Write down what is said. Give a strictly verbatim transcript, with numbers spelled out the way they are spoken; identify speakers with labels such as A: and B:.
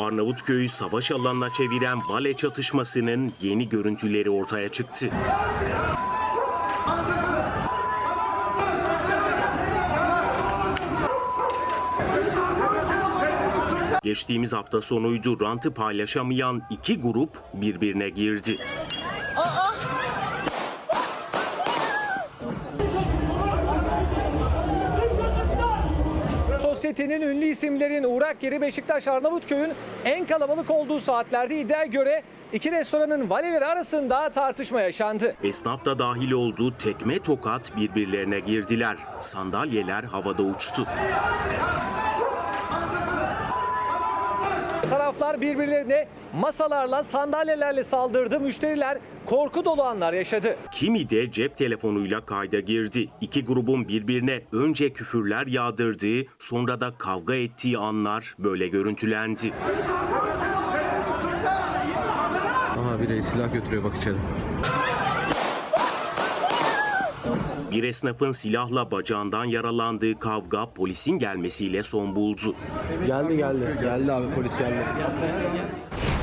A: Arnavutköy'ü savaş alanına çeviren Vale çatışmasının yeni görüntüleri ortaya çıktı. Geçtiğimiz hafta sonuydu, rantı paylaşamayan iki grup birbirine girdi.
B: Aa!
C: Sosyetenin ünlü isimlerin uğrak yeri Beşiktaş Arnavutköy'ün en kalabalık olduğu saatlerde iddiaya göre iki restoranın valileri arasında tartışma yaşandı.
A: Esnaf da dahil olduğu tekme tokat birbirlerine girdiler. Sandalyeler havada uçtu.
C: Taraflar birbirlerine masalarla, sandalyelerle saldırdı. Müşteriler korku dolu anlar yaşadı.
A: Kimi de cep telefonuyla kayda girdi. İki grubun birbirine önce küfürler yağdırdığı, sonra da kavga ettiği anlar böyle görüntülendi.
D: Aha biri silah götürüyor bak içeri.
A: Bir esnafın silahla bacağından yaralandığı kavga polisin gelmesiyle son buldu.
D: Geldi geldi. Geldi abi polis geldi.